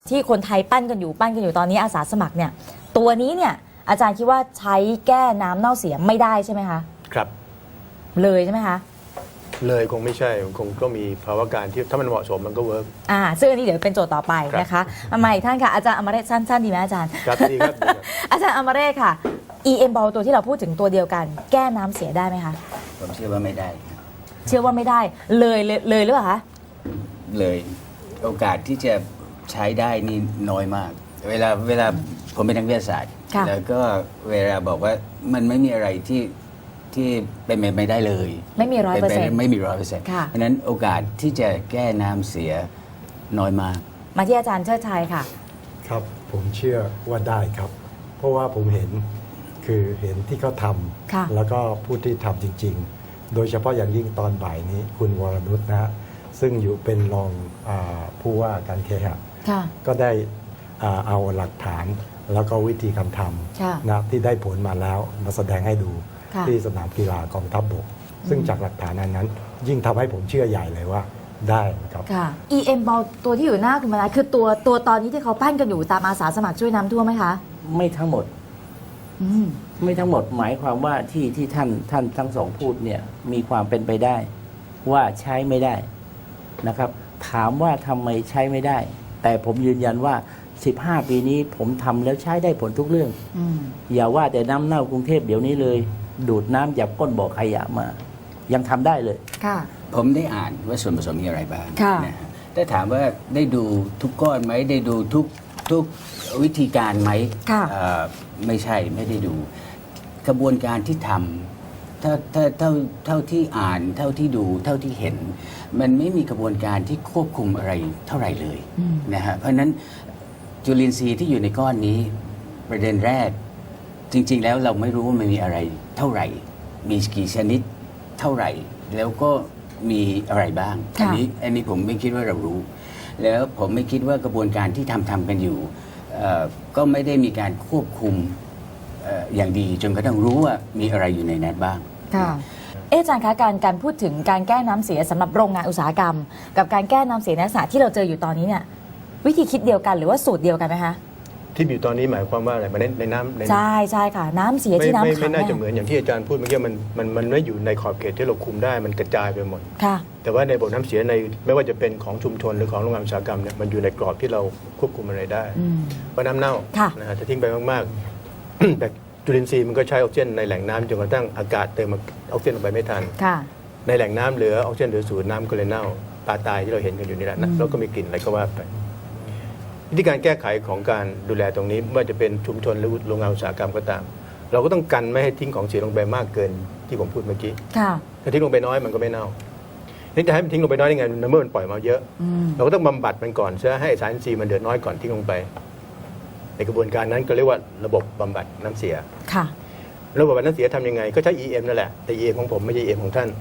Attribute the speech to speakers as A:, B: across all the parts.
A: ที่คนไทยปั้นกันอยู่ตอนนี้อาสาสมัครเนี่ยตัวนี้เนี่ยอาจารย์คิดว่าใช้แก้น้ำเน่าเสียไม่ได้ใช่ไหมคะ
B: ครับ
A: เลยใช่ไหมคะ
B: เลยคงไม่ใช่คงก็มีภาวะการที่ถ้ามันเหมาะสมมันก็เวิร์ก
A: ซึ่งอันนี้เดี๋ยวเป็นโจทย์ต่อไปนะคะมาอีกท่านค่ะอาจารย์อมรเรศสั้นๆดีไหมอาจารย์
B: ครับดีครับ
A: อาจารย์อมรเรศค่ะ EM Ball ตัวที่เราพูดถึงตัวเดียวกันแก้น้ำเสียได้ไหมคะ
C: ผมเชื่อว่าไม่ได้
A: เชื่อว่าไม่ได้เลยหรือเปล่าคะ
C: เลยโอกาสที่จะใช้ได้นี่น้อยมากเวลาผมเป็นนักวิทยาศาสตร์แล้วก็เวลาบอกว่ามันไม่มีอะไรที่เป็นไปไม่ได้เลย
A: ไม่มี100%
C: ไม่มี100%เพราะนั้นโอกาสที่จะแก้น้ำเสียน้อยมาก
A: มาที่อาจารย์เชิดชัยค่ะ
D: ครับผมเชื่อว่าได้ครับเพราะว่าผมเห็นที่เขาทำแล้วก็ผู้ที่ทำจริงๆโดยเฉพาะอย่างยิ่งตอนบ่ายนี้คุณวรนุชนะฮะซึ่งอยู่เป็นรองผู้ว่าการเคหะก็ได้เอาหลักฐานแล้วก็วิธีการทำนะที่ได้ผลมาแล้วมาแสดงให้ดูที่สนามกีฬากองทัพบกซึ่งจากหลักฐานนั้นยิ่งทำให้ผมเชื่อใหญ่เลยว่าได้ครับ
A: EM Ball ตัวที่อยู่หน้าคุณมานะคือตัวตอนนี้ที่เขาปั้นกันอยู่ตามอาสาสมัครช่วยน้ำท่วมไหมคะ
E: ไม่ทั้งหมดไม่ทั้งหมดหมายความว่าที่ท่านทั้งสองพูดเนี่ยมีความเป็นไปได้ว่าใช้ไม่ได้นะครับถามว่าทำไมใช้ไม่ได้แต่ผมยืนยันว่า15 ปีนี้ผมทำแล้วใช้ได้ผลทุกเรื่องอย่าว่าแต่น้ำเน่ากรุงเทพเดี๋ยวนี้เลยดูดน้ำจากก้นบ่อขยะมายังทำได้เลย
C: ผมได้อ่านว่าส่วนผสมมีอะไรบ้างนะแต่ถามว่าได้ดูทุกก้อนไหมได้ดูทุกวิธีการไหมไม่ใช่ไม่ได้ดูกระบวนการที่ทำเท่าที่อ่านเท่าที่ดูเท่าที่เห็นมันไม่มีกระบวนการที่ควบคุมอะไรเท่าไหร่เลยนะฮะเพราะฉะนั้นจุลินทรีย์ที่อยู่ในก้อนนี้ประเด็นแรกจริงๆแล้วเราไม่รู้ว่ามันมีอะไรเท่าไหร่มีกี่ชนิดเท่าไหร่แล้วก็มีอะไรบ้างอันนี้ผมไม่คิดว่าเรารู้แล้วผมไม่คิดว่ากระบวนการที่ทำกันอยู่ก็ไม่ได้มีการควบคุมอย่างดีจนกระทั่งรู้ว่ามีอะไรอยู่ในนั้นบ้าง
A: อาจารย์คะการพูดถึงการแก้น้ำเสียสำหรับโรงงานอุตสาหกรรมกับการแก้น้ำเสียในลักษณะที่เราเจออยู่ตอนนี้เนี่ยวิธีคิดเดียวกันหรือว่าสูตรเดียวกันไหมคะ
B: ที่อยู่ตอนนี้หมายความว่าอะไรมันในน้ำ
A: ใช่ค่ะน้ำเสียที่น้ำขัง
B: ไม่น่าจะเหมือนอย่างที่อาจารย์พูดเมื่อกี้มันไม่อยู่ในขอบเขตที่เราคุมได้มันกระจายไปหมดแต่ว่าในระบบน้ำเสียในไม่ว่าจะเป็นของชุมชนหรือของโรงงานอุตสาหกรรมเนี่ยมันอยู่ในกรอบที่เราควบคุมอะไรได้เพราะน้ำเน่านะฮะถ้าทิ้งไปมากๆแต่จุลินทรีย์มันก็ใช้ออกซิเจนในแหล่งน้ำจนกระทั่งอากาศเติมออกซิเจนลงไปไม่ทันในแหล่งน้ำเหลือออกซิเจนเหลือศูนย์น้ำก็เลยเน่าปลาตายที่เราเห็นกันอยู่นี่แหละนะแล้วก็มีกลิ่นอะไรก็ว่าไปวิธีการแก้ไขของการดูแลตรงนี้ไม่ว่าจะเป็นชุมชนหรือโรงงานอุตสาหกรรมก็ตามเราก็ต้องกันไม่ให้ทิ้งของเสียลงไปมากเกินที่ผมพูดเมื่อกี้ถ้าทิ้งลงไปน้อยมันก็ไม่เน่านี่จะให้มันทิ้งลงไปน้อยยังไงเมื่อมันปล่อยมาเยอะเราก็ต้องบำบัดมันก่อนเพื่อให้สารอินทรีย์มันเดือดน้อยก่อนทิ้งลงไปในกระบวนการนั้นก็เรียกว่าระบบบำบัดน้ำเสียระบบบำบัดน้ำเสียทำยังไงก็ใช้ EM นั่นแหละแต่ EM ของผมไม่ใช่ EM ของท่าน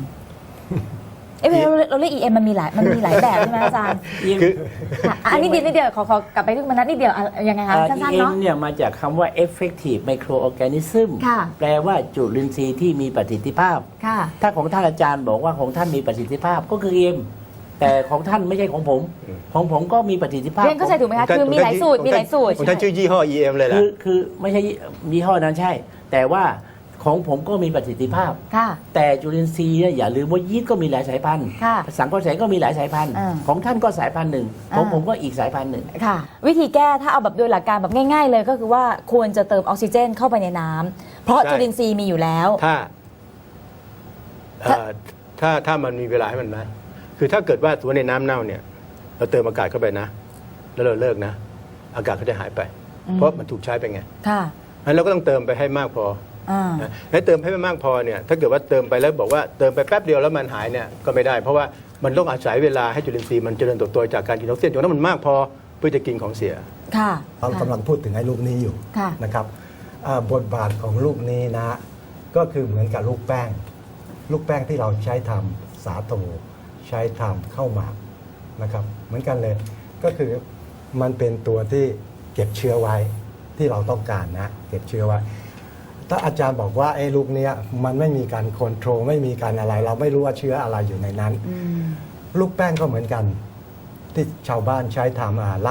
A: เราเรียก EM มันมีหลายแบบใช่ไหมอาจารย์อันนี้นิดเดียวขอกลับไปที่มันนิดเดียวยังไงคะสั้นๆเนาะ
E: EM เนี่ยมาจากคำว่า effective microorganism แปลว่าจุลินทรีย์ที่มีประสิทธิภาพถ้าของท่านอาจารย์บอกว่าของท่านมีประสิทธิภาพก็คือ EM แต่ของท่านไม่ใช่ของผมก็มีประสิทธิภาพ
A: เรียนก็ใช่ถูกไหมคะคือมีหลายสูตร
B: ของท่านชื่อยี่ห้อ EM เลยแหละ
E: คือไม่ใช่ยี่ห้อนั้นใช่แต่ว่าของผมก็มีประสิทธิภาพแต่จุลินทรีย์อย่าลืมว่ายีสต์ก็มีหลายสายพันธุ์สังเคราะห์แสงก็มีหลายสายพันธุ์ของท่านก็สายพันธุ์หนึ่งของผมก็อีกสายพันธุ์หนึ่ง
A: วิธีแก้ถ้าเอาแบบโดยหลักการแบบง่ายๆเลยก็คือว่าควรจะเติมออกซิเจนเข้าไปในน้ำเพราะจุลินทรีย์มีอยู่แล้ว
B: ถ้ามันมีเวลาให้มันนะคือถ้าเกิดว่าตัวในน้ำเน่าเนี่ยเราเติมอากาศเข้าไปนะแล้วเราเลิกนะอากาศก็จะหายไปเพราะมันถูกใช้ไปไงงั้นเราก็ต้องเติมไปให้มากพอให้เติมให้มันมากพอเนี่ยถ้าเกิดว่าเติมไปแล้วบอกว่าเติมไปแป๊บเดียวแล้วมันหายเนี่ยก็ไม่ได้เพราะว่ามันต้องอาศัยเวลาให้จุลินทรีย์มันเจริญเติบโตจากการกินออกซิเจนจนนั้นมันมากพอเพื่อจะกินของเสีย
D: เรากำลังพูดถึงไอ้ลูกนี้อยู่นะครับบทบาทของลูกนี้นะก็คือเหมือนกับลูกแป้งที่เราใช้ทำสาโทใช้ทำข้าวหมากนะครับเหมือนกันเลยก็คือมันเป็นตัวที่เก็บเชื้อไว้ที่เราต้องการนะเก็บเชื้อไว้ถ้าอาจารย์บอกว่าไอ้ลูกนี้มันไม่มีการคอนโทรลไม่มีการอะไรเราไม่รู้ว่าเชื้ออะไรอยู่ในนั้นลูกแป้งก็เหมือนกันที่ชาวบ้านใช้ทำเหล้า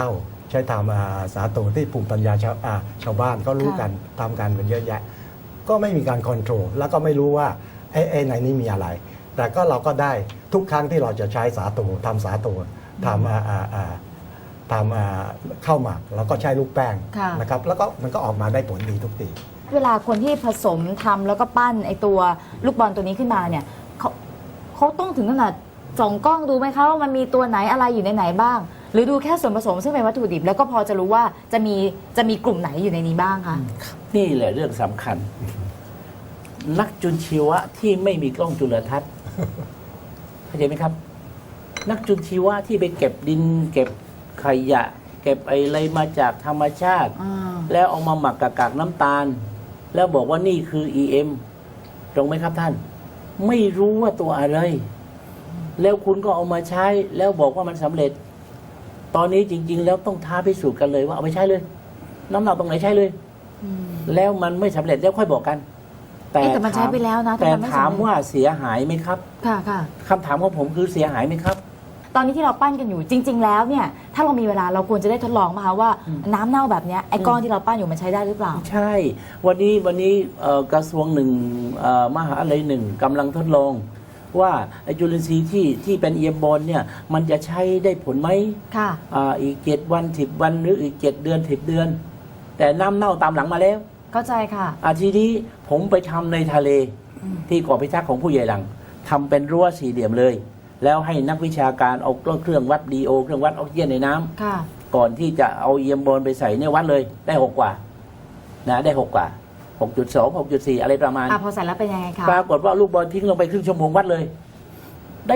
D: ใช้ทำสาโตที่ภูมิปัญญาชาวบ้านก็รู้กันทำกันเยอะแยะ ก็ไม่มีการคอนโทรลแล้วก็ไม่รู้ว่าไอ้ในนี้มีอะไร แต่ก็เราก็ได้ทุกครั้งที่เราจะใช้สาโตทำสาโตทำข้าวหมักแล้วก็ใช้ลูกแป้ง
A: ค่ะ
D: นะครับแล้วก็มันก็ออกมาได้ผลดีทุกที
A: เวลาคนที่ผสมทำแล้วก็ปั้นไอตัวลูกบอลตัวนี้ขึ้นมาเนี่ยเขาต้องถึงขนาดส่องกล้องดูไหมคะว่ามันมีตัวไหนอะไรอยู่ในไหนบ้าง หรือดูแค่ส่วนผสมซึ่งเป็นวัตถุดิบแล้วก็พอจะรู้ว่าจะมีกลุ่มไหนอยู่ในนี้บ้างคะ
E: นี่แหละเรื่องสำคัญ นักจุลชีวะที่ไม่มีกล้องจุลทรรศน์เข้าใจไหมครับ นักจุลชีวะที่ไปเก็บดิน เก็บขยะ เก็บอะไรมาจากธรรมชาติ แล้วเอามาหมักกับกากน้ำตาล แล้วบอกว่านี่คือ EM ตรงไหมครับท่าน ไม่รู้ว่าตัวอะไร แล้วคุณก็เอามาใช้ แล้วบอกว่ามันสำเร็จ ตอนนี้จริง ๆ แล้วต้องท้าพิสูจน์กันเลยว่าเอาไปใช้เลย น้ำหนักตรงไหนใช้เลย แล้วมันไม่สำเร็จแล้วค่อยบอกกัน
A: แต่มันใช้ไปแล้วนะ
E: แต่
A: มันไม่สำเร็จ
E: ถามว่าเสียหายไหมครับ
A: ค่ะ
E: คำถามของผมคือเสียหายไหมครับ
A: ตอนนี้ที่เราปั้นกันอยู่จริง ๆ แล้วเนี่ยถ้าเรามีเวลาเราควรจะได้ทดลองมาคะว่าน้ำเน่าแบบเนี้ยไอ้ก้อนที่เราปั้นอยู่มันใช้ได้หรือเปล่า
E: ใช่ วันนี้กระทรวงหนึ่งมหาลัยหนึ่งกำลังทดลอง ว่าไอ้จุลินทรีย์ที่เป็นเอียมบอลเนี่ยมันจะใช้ได้ผลไหม
A: ค่ะ
E: อีก7 วัน 10 วันหรืออีก7 เดือน 10 เดือน แต่น้ำเน่าตามหลังมาแล้ว
A: เข้าใจค่ะ
E: ทีนี้ผมไปทำในทะเลที่เกาะพิทักษ์ของผู้ใหญ่หลังทำเป็นรั้วสี่เหลี่ยมเลย แล้วให้นักวิชาการเอาเครื่องวัดดีโอเครื่องวัดออกซิเจนในน้ำ
A: ค่ะ
E: ก่อนที่จะเอาเอียมบอลไปใส่เนี่ยวัดเลยได้6กว่านะได้6กว่า 6.2 6.4 อะไรประมาณ
A: พอใส่แล้วเป็นยังไงคะ
E: ปรากฏว่าลูกบอลทิ้งลงไปครึ่งชั่วโมงวัดเลย ได้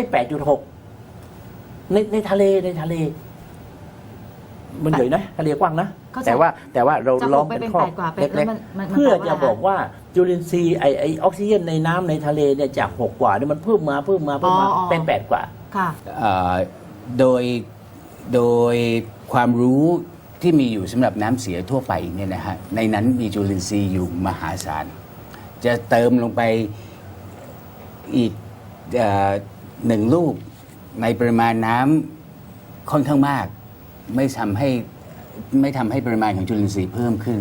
E: 8.6 ในทะเลมันใหญ่นะทะเลกว้างนะ
A: เข้าใจ
E: แต่ว่าเรา
A: จะ
E: ล้อม
A: ไป
E: เป็น
A: เป็น
E: ข้อ
A: 8 กว่าเป็น
E: เล็ก
A: มัน
E: ๆเพื่อ
A: แปลว่า
E: จะบอกว่าจุลินทรีย์ไอออกซิเจนในน้ำในทะเลเนี่ยจาก6กว่าเนี่ยมันเพิ่มมาเป็น8กว่า
A: ค่ะ
C: โดยความรู้ที่มีอยู่สำหรับน้ำเสียทั่วไปเนี่ยนะฮะในนั้นมีจุลินทรีย์อยู่มหาศาลจะเติมลงไปอีก1 ลูกในปริมาณน้ำค่อนข้างมาก ไม่ทำให้ปริมาณของจุลินทรีย์เพิ่มขึ้น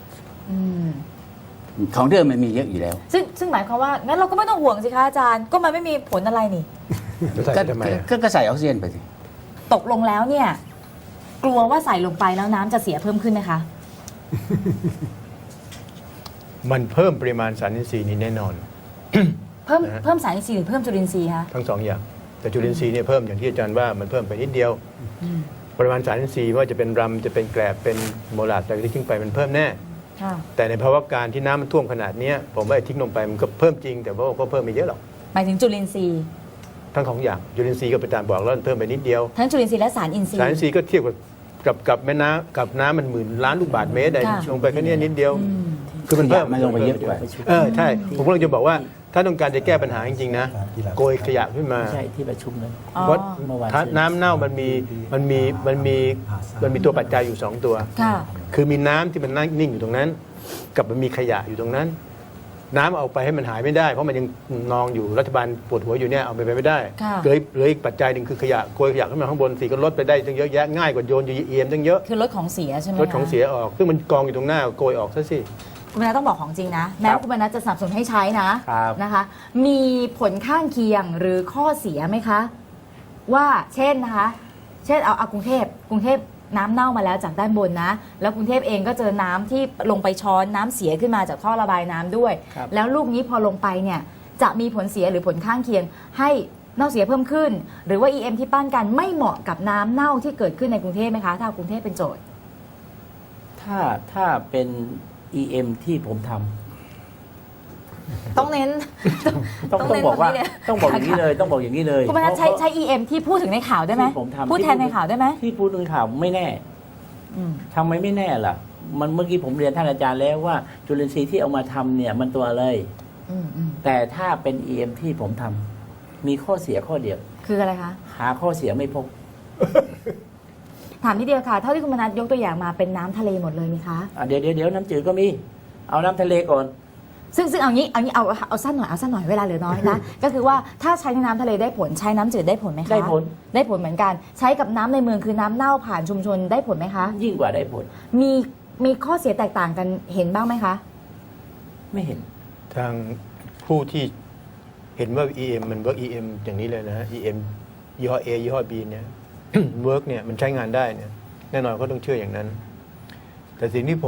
C: ของเดิมมันมีเยอะอยู่แล้ว
A: ซึ่งหมายความว่างั้นเราก็ไม่ต้องห่วงสิคะอาจารย์ก็มันไม่มีผลอะไรนี่
B: ใส่ทำไมอะ
C: ก็ใส่ออกซิเจนไปสิ
A: ตกลงแล้วเนี่ย กลัวว่าใส่ลงไปแล้วน้ำจะเสียเพิ่มขึ้นไหมคะ
B: มันเพิ่มปริมาณสารอินทรีย์นี้แน่นอน
A: เพิ่มสารอินทรีย์หรือเพิ่มจุลินทรีย์คะ
B: ทั้งสองอย่าง แต่จุลินทรีย์เนี่ยเพิ่มอย่างที่อาจารย์ว่ามันเพิ่มไปนิดเดียว ปริมาณสารอินทรีย์ไม่ว่าจะเป็นรำจะเป็นแกลบเป็นโมลาสอะไรที่ทิ้งไปมันเพิ่มแน่
A: ค่ะ
B: แต่ในภาวะการที่น้ำมันท่วมขนาดเนี้ยผมว่าไอ้ทิ้งลงไปมันก็เพิ่มจริง แต่ว่าก็เพิ่มไม่เยอะหรอก
A: หมายถึงจุลินทรีย์
B: ทั้งสองอย่างจุลินทรีย์ก็ไปตามบอกแล้วมันเพิ่มไปนิดเดียว
A: ทั้งจุลินทรีย์และสารอินทรี
B: สาร
A: ย์
B: อินทรีย์ก็เทียบกับแม่น้ำกับน้ำมัน10,000 ล้านลูกบาศก์เมตร
A: ค่ะ
B: ลงไปแค่เนี้ยนิดเดียว คือมันเพิ่ม
C: มันลงไปเยอะกว่า
B: ใช่ผมกำลังจะบอกว่าถ้าต้องการจะแก้ปัญหาจริงๆนะโกยขยะขึ้นมา
E: ไม่ใช่ที่ประชุมนั้น
A: อ๋อ
B: เพราะ
E: เมื่อวาน
B: น้ำเน่ามันมีตัวปัจจัยอยู่ 2 ตัว
A: ค่ะ
B: คือมีน้ำที่มันนั่งนิ่งอยู่ตรงนั้น กับมันมีขยะอยู่ตรงนั้น น้ำเอาไปให้มันหายไม่ได้ เพราะมันยังนองอยู่รัฐบาลปวดหัวอยู่เนี่ยเอาไปไม่ได้
A: ค่ะ
B: เหลืออีกปัจจัยหนึ่งคือขยะโกยขยะขึ้นมาข้างบนสีก็ลดไปได้ตั้งเยอะแยะง่ายกว่าโยนอยู่เอียมตั้งเยอะ
A: คือลดของเสียใช่ไหม
B: ลดของ
A: คะ
B: เสียออกซึ่งมันกองอยู่ตรงหน้าโกยออกซะสิ
A: คุณมนัสต้องบอกของจริงนะ แม้ว่าคุณมนัสจะสนับสนุนให้ใช้นะครับ นะคะ มีผลข้างเคียงหรือข้อเสียไหมคะ ว่าเช่นนะคะ เช่นเอากรุงเทพน้ำเน่ามาแล้วจากด้านบนนะ แล้วกรุงเทพเองก็เจอน้ำที่ลงไปช้อนน้ำเสียขึ้นมาจากท่อระบายน้ำด้วย
E: ครับ
A: แล้วลูกนี้พอลงไปเนี่ยจะมีผลเสียหรือผลข้างเคียง ให้เน่าเสียเพิ่มขึ้น หรือว่า EM ที่ปั้นกันไม่เหมาะกับน้ำเน่าที่เกิดขึ้นในกรุงเทพไหมคะถ้ากรุงเทพเป็นโจทย์
E: ถ้าเป็น EM ที่ผมทำ
A: ต้องเน้น
E: ต้องบอกว่าต้องบอกอย่างนี้เลยต้องบอกอย่างนี้เลย
A: คุณมนัสใช้ EM ที่พูดถึงในข่าวได้ไหม
E: ที่ผมทำ
A: พูดแทนในข่าวได้ไหม
E: ที่พูดถึงข่าวไม่แน่
A: อืม
E: ทำไมไม่แน่ล่ะ มันเมื่อกี้ผมเรียนท่านอาจารย์แล้วว่าจุลินทรีย์ที่เอามาทำเนี่ยมันตัวอะไร
A: อืม
E: แต่ถ้าเป็น EM ที่ผมทำมีข้อเสียข้อเดียว
A: คืออะไรคะ
E: หาข้อเสียไม่พบ
A: ถามทีเดียวค่ะ เท่าที่คุณมนัสยกตัวอย่างมาเป็นน้ำทะเลหมดเลยไหมคะ
E: เดี๋ยวน้ำจืดก็มี เอาน้ำทะเลก่อน
A: ซึ่งเอางี้เอาสั้นหน่อยเวลาเหลือน้อยนะ ก็คือว่าถ้าใช้ในน้ำทะเลได้ผลใช้น้ำจืดได้ผลไหมคะ
E: ได้ผล
A: ได้ผลเหมือนกันใช้กับน้ำในเมืองคือน้ำเน่าผ่านชุมชนได้ผลไหมคะ
E: ยิ่งกว่าได้ผล
A: มีข้อเสียแตกต่างกันเห็นบ้างไหมคะ
E: ไม่เห็น
B: ทางผู้ที่เห็นว่า EM มัน work EM อย่างนี้เลยนะฮะ EM ยี่ห้อ A ยี่ห้อ B เนี่ย work เนี่ยมันใช้งานได้เนี่ยแน่นอนเขาต้องเชื่ออย่างนั้น แต่สิ่งที่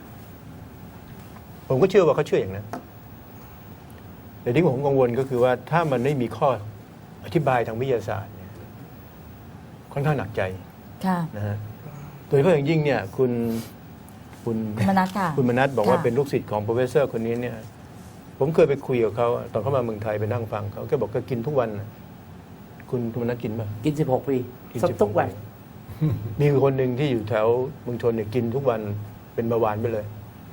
B: ผมก็เชื่อว่าเขาเชื่ออย่างนั้น แต่ที่ผมกังวลก็คือว่าถ้ามันไม่มีข้ออธิบายทางวิทยาศาสตร์เนี่ยค่อนข้างหนักใจ
A: ค่ะ
B: นะฮะโดยเฉพาะอย่างยิ่งเนี่ยคุณ
A: มนัสค่ะ
B: คุณมนัสบอกว่า
A: ค่ะ
B: เป็นลูกศิษย์ของโปรเฟสเซอร์คนนี้เนี่ยผมเคยไปคุยกับเขาตอนเขามาเมืองไทยไปนั่งฟังเขาแกบอกก็กินทุกวันน่ะคุณมนัสกินป่ะ
E: กิน 16 ปี
B: กิน
E: สัก
B: 16
E: ทุกวัน
B: มีคนหนึ่งที่อยู่แถวเมืองชนเนี่ยกินทุกวันเป็นเบาหวานไปเลย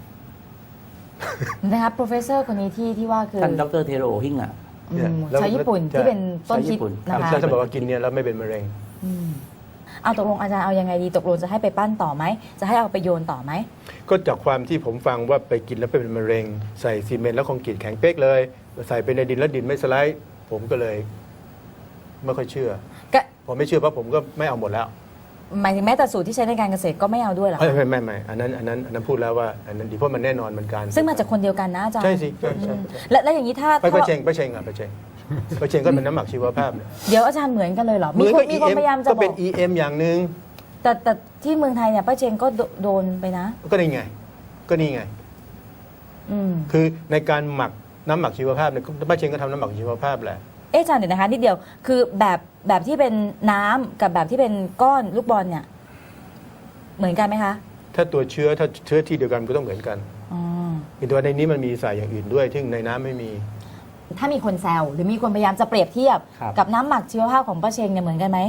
A: นะคะโปรเฟสเซอร์คนนี้ที่ว่าคือ
E: ท่านดรเทโรฮิงอ่ะ
B: เนี่ย แล้ว
A: ชาวญี่ปุ่น
B: ใช่
A: ที่เป็นต้นคิด
E: ชาวญี่ปุ่น
A: นะคะ
B: แล้วจะบอกว่ากินเนี่ยแล้วไม่เป็นมะเร็ง
A: เอาตกลงอาจารย์เอายังไงดีตกลงจะให้ไปปั้นต่อไหมจะให้เอาไปโยนต่อไหม
B: ก็จากความที่ผมฟังว่าไปกินแล้วเป็นมะเร็ง ใส่ซีเมนต์แล้วคอนกรีตแข็งเป๊กเลย ใส่ไปในดินแล้วดินไม่สไลด์ผมก็เลยไม่ค่อยเชื่อ
A: ก็
B: ผมไม่เชื่อเพราะผมก็ไม่เอาหมดแล้ว
A: หมายถึงแม้แต่สูตรที่ใช้ในการเกษตรก็ไม่เอาด้วยเหรอคะ
B: ไม่อันนั้นพูดแล้วว่าอันนั้นดีเพราะมันแน่นอนเหมือนกัน
A: ซึ่งมาจากคนเดียวกันนะอาจารย์
B: ใช่สิใช่ใช่
A: แล้วอย่างนี้ถ้า
B: ไปเชงก็เป็นน้ำหมักชีวภาพเนี่ย
A: เดี๋ยวอาจารย์เหมือนกันเลยเหรอ
B: เหมือนกับ
A: มีคน
B: EM
A: พยายามจะ
B: ก็
A: บ
B: เป็
A: อน ก
B: EM อย่างหนึ่ง
A: แต่ที่เมืองไทยเนี่ยป้าเชงก็โดนไปนะ
B: ก็นี่ไง
A: อืม
B: คือในการหมักน้ำหมักชีวภาพเนี่ยป้าเชงก็ทำน้ำหมักชีวภาพแหละ
A: เอ๊ะอาจารย์เดี๋ยวนะคะนิดเดียวคือแบบที่เป็นน้ำกับแบบที่เป็นก้อนลูกบอลเนี่ยเหมือนกันไหมคะ
B: ถ้าตัวเชื้อถ้าเชื้อที่เดียวกันก็ต้องเหมือนกัน
A: อ๋อ
B: มีตัวในนี้มันมีสารอย่างอื่นด้วยซึ่งในน้ำไม่มี
A: ถ้ามีคนแซวหรือมีคนพยายามจะเปรียบเทียบ
E: ครับ
A: กับน้ำหมักชีวภาพของป้าเชงเนี่ยเหมือนกันไหม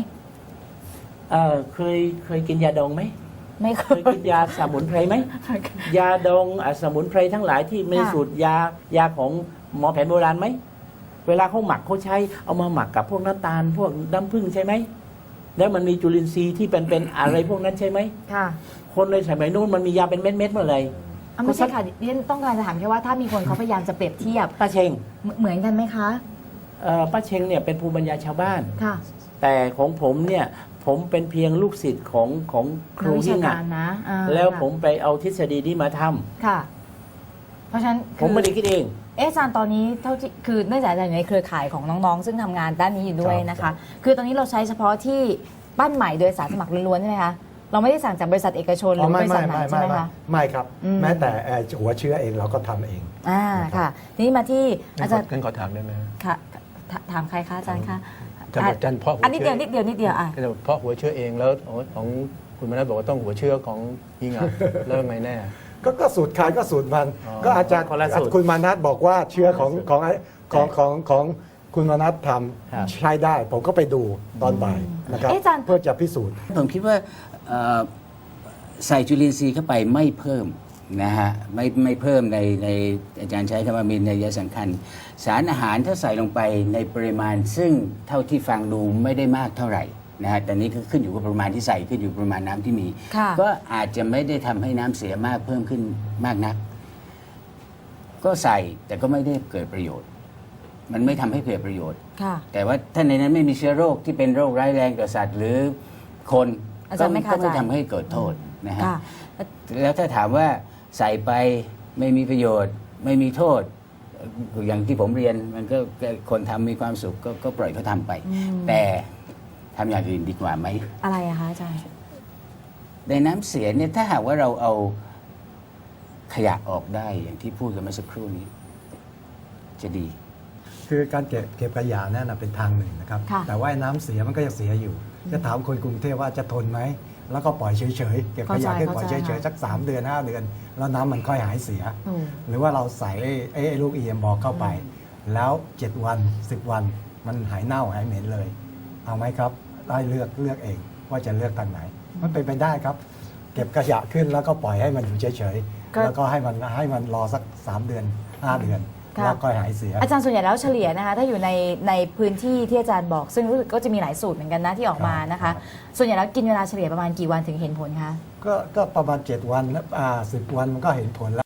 E: เคยกินยาดองไหม
A: ไม่เค
E: เค
A: ย
E: ยกินยาสมุนไพรไหม ยาดองสมุนไพรทั้งหลายที่มี
A: ค่ะ
E: สูตรยาของหมอแผนโบราณไหม เวลาเขาหมักเขาใช้เอามาหมักกับพวกน้ำตาล พวกน้ำผึ้งใช่ไหม แล้วมันมีจุลินทรีย์ที่เป็นอะไรพวกนั้นใช่ไหม
A: ค่ะ
E: คนในสมัยนู้นมันมียาเป็นเม็ดๆหมดเลย
A: ไม่ใช่ค่ะดิฉันต้องการจะถามแค่ว่าถ้ามีคนเขาพยายามจะเปรียบเทียบ
E: ป้าเชง
A: เหมือนกันไหมคะ
E: ป้าเชงเนี่ยเป็นภูมิปัญญาชาวบ้าน
A: ค่ะ
E: แต่ของผมเนี่ยผมเป็นเพียงลูกศิษย์ของครู
A: นักวิ
E: ยิ่
A: ชาง กา
E: อ่ะ
A: รนะ
E: แล้ว
A: ค่ะ
E: ผมไปเอาทฤษฎีนี้มาทำ
A: ค่ะ เพราะฉะนั้น
E: ผมไม่ได้คิดเอง
A: อาจารย์ตอนนี้เท่าที่คือเนื่องจากอาจารย์อยู่ในเครือข่ายของน้องๆ ซึ่งทำงานด้านนี้อยู่ด้วยนะคะ คือตอนนี้เราใช้เฉพาะที่ปั้นใหม่โดยอาสาสมัครล้วนๆใช่ไหมคะเราไม่ได้สั่งจากบริษัทเอกชนหรือบริษัทไหนใช่ไหมคะ
D: ไม่ครับ
A: อืม
D: แม้แต่หัวเชื้อเองเราก็ทำเอง
A: ค่ะทีนี้มาที่อาจารย์
B: งั้นขอถามได้ไหม
A: ค่ะถามใครคะอาจารย์คะ
B: อาจารย์เพาะหัว
A: อันนิด
B: เชื้
A: เดียวนิดเดียวอ่ะ
B: ก็จะเพาะหัวเชื้อเองแล้วของคุณมนัสบอกว่าต้องหัวเชื้อของยิ่งอ่ะ แล้วยังไงแน่
D: ก็สูตรใครก็สูตรมัน
B: อ๋อ
D: ก็อาจารย์
E: คนละสูตร
D: คุณมานัทบอกว่าเชื้อของคุณมานัทท
E: ครับ
D: ำใช้ได้ ผมก็ไปดูตอนบ่ายนะครับ
A: อาจารย์
D: เพื่อจะพิสูจน์
C: ผมคิดว่าใส่จุลินทรีย์เข้าไปไม่เพิ่มนะฮะไม่เพิ่มในอาจารย์ใช้คำว่ามีนัยสำคัญ สารอาหารถ้าใส่ลงไปในปริมาณ ซึ่งเท่าที่ฟังดูไม่ได้มากเท่าไหร่นะฮะแต่นี้ก็ขึ้นอยู่กับปริมาณที่ใส่ขึ้นอยู่กับปริมาณน้ำที่มี
A: ค่ะ
C: ก็อาจจะไม่ได้ทำให้น้ำเสียมากเพิ่มขึ้นมากนัก ก็ใส่แต่ก็ไม่ได้เกิดประโยชน์ มันไม่ทำให้เกิดประโยชน์
A: ค่ะ
C: แต่ว่าถ้าในนั้นไม่มีเชื้อโรคที่เป็นโรคร้ายแรงต่อสัตว์ หรือคน
A: อาจารย์ไม่
C: ก็
A: เข้าใจ
C: ไม่ทำให้เกิดโทษนะฮะ
A: ค่ะ
C: แล้วถ้าถามว่าใส่ไปไม่มีประโยชน์ ไม่มีโทษ อย่างที่ผมเรียนมันก็คนทำมีความสุขก็ปล่อยเขาทำไป แต่ทำอย่างอื่นดีกว่าไหม
A: อะไรอะคะอาจารย์
C: ในน้ำเสียเนี่ยถ้าหากว่าเราเอาขยะออกได้อย่างที่พูดกันเมื่อสักครู่นี้ จะดี
D: คือการเก็บขยะนั่นนะเป็นทางหนึ่งนะครับ
A: ค่ะ
D: แต่ว่าน้ำเสียมันก็ยังเสียอยู่ จะถามคนกรุงเทพว่าจะทนไหม แล้วก็ปล่อยเฉยๆ เก็บขยะแค่ปล่อยเฉยๆสัก3 เดือน 5 เดือน แล้วน้ำมันค่อยหายเสีย
A: อืม
D: หรือว่าเราใส่ไอ้ลูก EM บอกเข้าไป แล้ว 7 วัน 10 วันมันหายเน่าหายเหม็นเลย เอาไหมครับ ได้เลือกเองว่าจะเลือกทางไหน มันเป็นไปได้ครับ เก็บขยะขึ้นแล้วก็ปล่อยให้มันอยู่เฉย
A: ก็
D: ๆ แล้วก็ให้มันรอสัก3 เดือน 5 เดือน
A: ค่ะ
D: แล้วก็หายเสีย
A: อาจารย์ส่วนใหญ่แล้วเฉลี่ยนะคะถ้าอยู่ในพื้นที่ที่อาจารย์บอก ซึ่งรู้สึกก็จะมีหลายสูตรเหมือนกันนะที่ออกมานะคะ ส่วนใหญ่แล้วกินเวลาเฉลี่ยประมาณกี่วันถึงเห็นผลคะ
D: ก็ประมาณ7 วันแล้ว10 วันมันก็เห็นผลแล้ว